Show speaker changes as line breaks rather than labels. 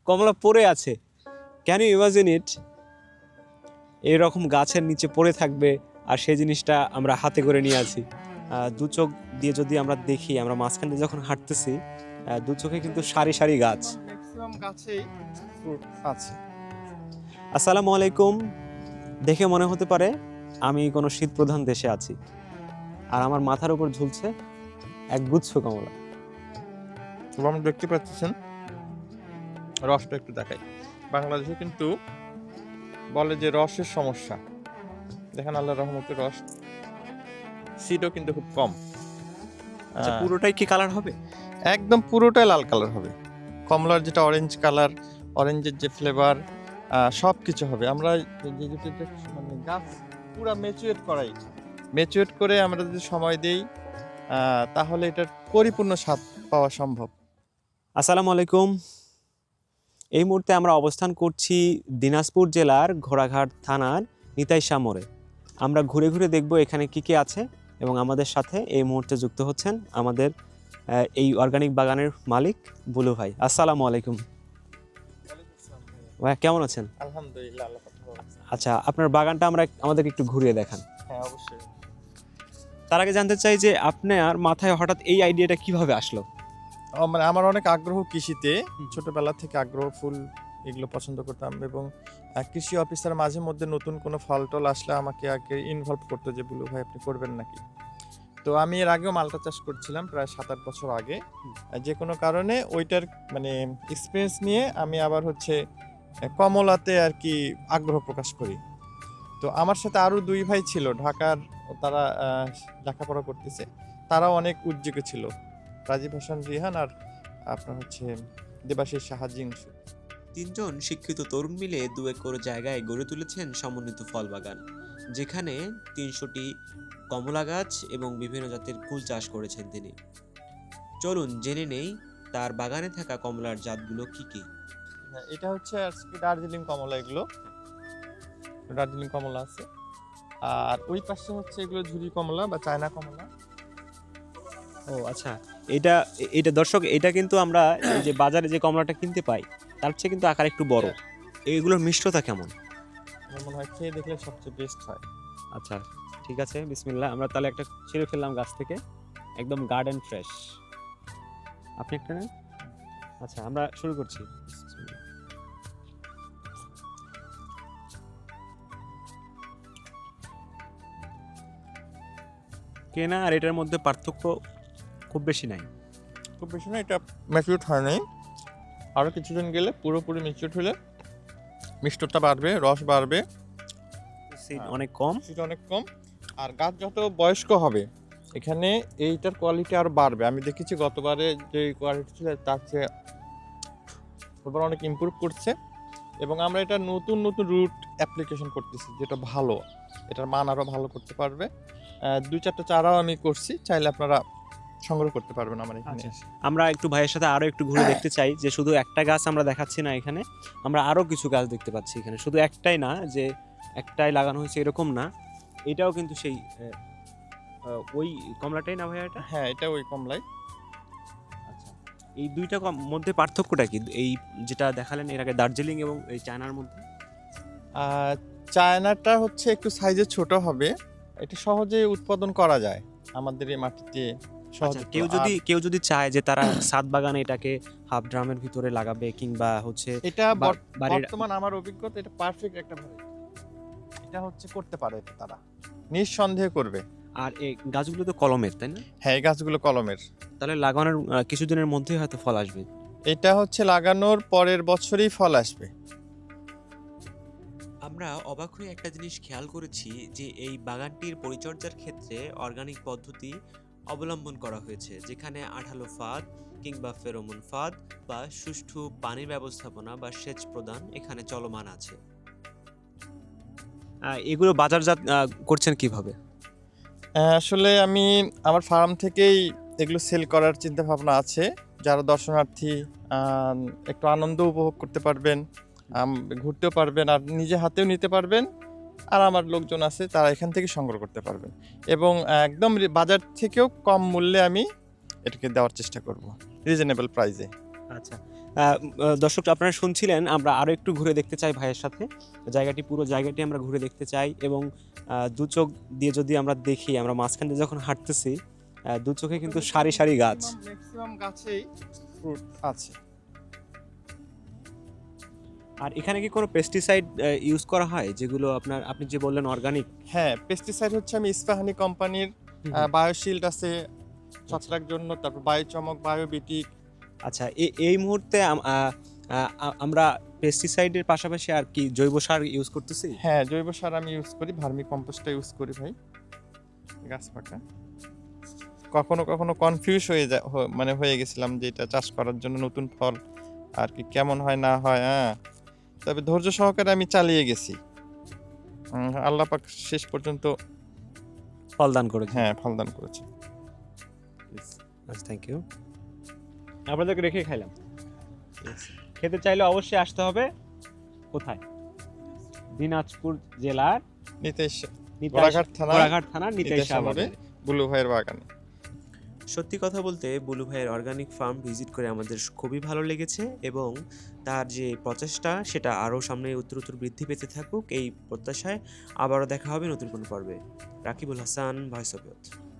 কমলা পড়ে আছে। Can you imagine it? এইরকম গাছের নিচে পড়ে থাকবে আর সেই জিনিসটা আমরা হাতে করে নিয়ে আছি। দু চোখ দিয়ে যদি আমরা দেখি, আমরা মাঝখান দিয়ে যখন হাঁটতেছি, দু চোখে কিন্তু সারি সারি গাছ।
ম্যাক্সিমাম গাছেই ফ্রুট আছে।
আসসালামু আলাইকুম। দেখে মনে হতে পারে আমি কোনো শীত প্রধান দেশে আছি, আর আমার মাথার উপর ঝুলছে এক গুচ্ছ কমলা।
আপনি দেখতে পাচ্ছেন, রসটা একটু দেখাই। বাংলাদেশে কিন্তু বলে যে রসের সমস্যা, দেখেন আল্লাহর রহমতে রস সিডও কিন্তু খুব কম।
আচ্ছা, পুরোটাই কি কালার হবে?
একদম পুরোটাই লাল কালার হবে। কমলার যেটা অরেঞ্জ কালার, অরেঞ্জের যে ফ্লেভার, সব কিছু হবে। আমরা মানে গাছ পুরা ম্যাচুরেট করে আমরা যদি সময় দেই, তাহলে এটার পরিপূর্ণ স্বাদ পাওয়া সম্ভব।
আসসালামু আলাইকুম। এই মুহূর্তে আমরা অবস্থান করছি দিনাজপুর জেলার ঘোড়াঘাট থানার নিতাইশা মোড়ে। আমরা ঘুরে ঘুরে দেখব এখানে কি কি আছে, এবং আমাদের সাথে এই মুহূর্তে যুক্ত হচ্ছেন আমাদের এই অর্গানিক বাগানের মালিক বুলু ভাই। আসসালামু আলাইকুম ভাই, কেমন আছেন?
আলহামদুলিল্লাহ, আল্লাহ পাক ভালো রাখছে।
আচ্ছা, আপনার বাগানটা আমাদেরকে একটু ঘুরিয়ে দেখান।
হ্যাঁ, অবশ্যই।
তার আগে জানতে চাই যে আপনার মাথায় হঠাৎ এই আইডিয়াটা কিভাবে আসলো?
মানে আমার অনেক আগ্রহ কৃষিতে, ছোটবেলা থেকে আগ্রহ, ফুল এগুলো পছন্দ করতাম, এবং কৃষি অফিসার মাঝে মধ্যে নতুন কোনো ফল টল আসলে আমাকে আগে ইনভলভ করতো যে বুলু ভাই আপনি করবেন নাকি। তো আমি এর আগেও মালটা চাষ করছিলাম প্রায় 7-8 বছর আগে। যে কোনো কারণে ওইটার মানে এক্সপিরিয়েন্স নিয়ে আমি আবার হচ্ছে কমলাতে আর কি আগ্রহ প্রকাশ করি। তো আমার সাথে আরও 2 ভাই ছিল ঢাকার, তারা লেখাপড়া করতেছে, তারাও অনেক উদ্যোগী ছিল, রাজীব হাসান রিহান আর আপনার হচ্ছে দেবাশিস সাহাজিংশু।
তিনজন শিক্ষিত তরুণ মিলে 2 একর জায়গায় গড়ে তুলেছেন সমন্বিত ফল বাগান, যেখানে 300টি কমলা গাছ এবং বিভিন্ন জাতের ফুল চাষ করেছেন তিনি। চলুন জেনে নেই তার বাগানে থাকা কমলার জাতগুলো কি কি।
হ্যাঁ, এটা হচ্ছে আজকে দার্জিলিং কমলা, এগুলো দার্জিলিং কমলা আছে। আর ওই পাশে হচ্ছে এগুলো ঝুরি কমলা বা চায়না কমলা।
ও আচ্ছা, এটা এটা দর্শক, এটা কিন্তু আমরা এই যে বাজারে যে কমলাটা কিনতে পাই তার চেয়ে কিন্তু আকার একটু বড়। এগুলোর মিষ্টতা কেমন?
আমার মনে হয় খেয়ে দেখলে সবচেয়ে বেস্ট হয়।
আচ্ছা, ঠিক আছে, বিসমিল্লাহ। আমরা তাহলে একটা ছিঁড়ে ফেললাম গাছ থেকে, একদম গার্ডেন ফ্রেশ। আপনি একটা নেন। আচ্ছা, আমরা শুরু করছি। কেনা আর এটার মধ্যে পার্থক্য খুব বেশি নাই।
খুব বেশি না, এটা ম্যাচিউরড হয় নাই, আরও কিছুদিন গেলে পুরোপুরি ম্যাচিউরড হলে মিষ্টতা বাড়বে, রস বাড়বে,
সিড অনেক কম।
সেটা অনেক কম। আর গাছ যত বয়স্ক হবে এখানে এইটার কোয়ালিটি আরও বাড়বে। আমি দেখেছি গতবারে যে কোয়ালিটি ছিল তার চেয়ে এবার অনেক ইমপ্রুভ করছে, এবং আমরা এটা নতুন নতুন রুট অ্যাপ্লিকেশন করতেছি, যেটা ভালো, এটার মান আরও ভালো করতে পারবে। 2-4টা চারাও আমি করছি, চাইলে আপনারা সংগ্রহ করতে পারবেন আমার এখানে।
আমরা একটু ভাইয়ের সাথে আরো একটু ঘুরে দেখতে চাই যে শুধু একটা গাছ আমরা দেখাচ্ছি না, এখানে আমরা আরো কিছু গাছ দেখতে পাচ্ছি। এখানে শুধু একটাই না, যে একটাই লাগানো হয়েছে এরকম না, এটাও কিন্তু সেই ওই কমলাটাই না ভাইয়া? এটা
হ্যাঁ, এটা ওই কমলাই।
আচ্ছা, এই দুইটা মধ্যে পার্থক্যটা কি, এই যেটা দেখালেন এর আগে দার্জিলিং এবং এই চায়নার মধ্যে?
চায়নাটা হচ্ছে একটু সাইজে ছোট হবে, এটা সহজে উৎপাদন করা যায় আমাদের এই মাটিতে সহজে।
আচ্ছা, কেউ যদি চায় যে তারা ছাদ বাগানে এটাকে হাফ ড্রামের ভিতরে লাগাবে, কিংবা হচ্ছে
এটা
বাড়ির
বর্তমান আমার অভিজ্ঞতা এটা পারফেক্ট একটা ভ্যারাইটি, এটা হচ্ছে করতে পারে, এটা তারা নিঃসন্দেহে করবে।
আর এই গাছগুলো তো কলমের, তাই না?
হ্যাঁ, এই গাছগুলো কলমের।
তাহলে লাগানোর কিছুদিনের মধ্যেই হয়তো ফল আসবে।
এটা হচ্ছে লাগানোর পরের বছরই ফল আসবে।
আমরা অবাক হয়ে একটা জিনিস খেয়াল করেছি যে এই বাগানটির পরিচর্যার ক্ষেত্রে অর্গানিক পদ্ধতি অবলম্বন করা হয়েছে, যেখানে আঠালো ফাঁদ কিংবা ফেরোমন ফাঁদ বা সুষ্ঠু পানি ব্যবস্থাপনা বা সেচ প্রদান এখানে চলমান আছে। এগুলো বাজারজাত করছেন কিভাবে?
আসলে আমি আমার ফার্ম থেকেই এগুলো সেল করার চিন্তা ভাবনা আছে, যারা দর্শনার্থী একটু আনন্দ উপভোগ করতে পারবেন, ঘুরতেও পারবেন, আর নিজে হাতেও নিতে পারবেন, আর আমার লোকজন আছে তারা এখান থেকে সংগ্রহ করতে পারবেন, এবং একদম বাজার থেকেও কম মূল্যে আমি এটাকে দেওয়ার চেষ্টা করব, রিজনেবল প্রাইসে।
আচ্ছা, দর্শক আপনারা শুনছিলেন, আমরা আরো একটু ঘুরে দেখতে চাই ভাইয়ের সাথে। পুরো জায়গাটি আমরা ঘুরে দেখতে চাই এবং দু চোখ দিয়ে যদি আমরা দেখি, আমরা মাঝখান দিয়ে যখন হাঁটতেছি দু চোখে কিন্তু সারি সারি গাছ।
ম্যাক্সিমাম গাছেই ফ্রুট আছে।
আর এখানে কি কোনো পেস্টিসাইড ইউজ করা হয়, যেগুলো আপনি যে বললেন অর্গানিক?
হ্যাঁ, পেস্টিসাইড হচ্ছে আমি ইস্পাহানি কোম্পানির বায়োশিল্ড আছে ছত্রাক জন্য, তারপর বায়োচমক, বায়োবিটিক।
আচ্ছা, এই মুহূর্তে আমরা পেস্টিসাইডের পাশাপাশি আর কি জৈব সার ইউজ করতেছি?
হ্যাঁ, জৈব সার আমি ইউজ করি, ভার্মি কম্পোস্টটা ইউজ করি ভাই। গাছ পাকা কখনো কখনো কনফিউজ মানে হয়ে গেছিলাম যে এটা চাষ করার জন্য নতুন ফল আর কি কেমন হয় না হয়। হ্যাঁ, তবে ধৈর্য সহকারে আমি চালিয়ে গেছি। আল্লাহ পাক শেষ পর্যন্ত
ফলদান করেছে।
হ্যাঁ ফলদান করেছে।
আচ্ছা, থ্যাংক ইউ। আপনাদেরকে রেখে খাইলাম। খেতে চাইলে অবশ্যই আসতে হবে কোথায়? দিনাজপুর জেলার
ঘোড়াঘাট
থানার নিতাইশা বাজারে
বুলু ভাইয়ের বাগানে।
সত্যি কথা বলতে বুলু ভাইয়ের অর্গানিক ফার্ম ভিজিট করে আমাদের খুবই ভালো লেগেছে এবং তার যে প্রচেষ্টা সেটা আরও সামনে উত্তরোত্তর বৃদ্ধি পেতে থাকুক এই প্রত্যাশায় আবারও দেখা হবে নতুন কোনো পর্বে। Rakibul Hasan, voice of youth.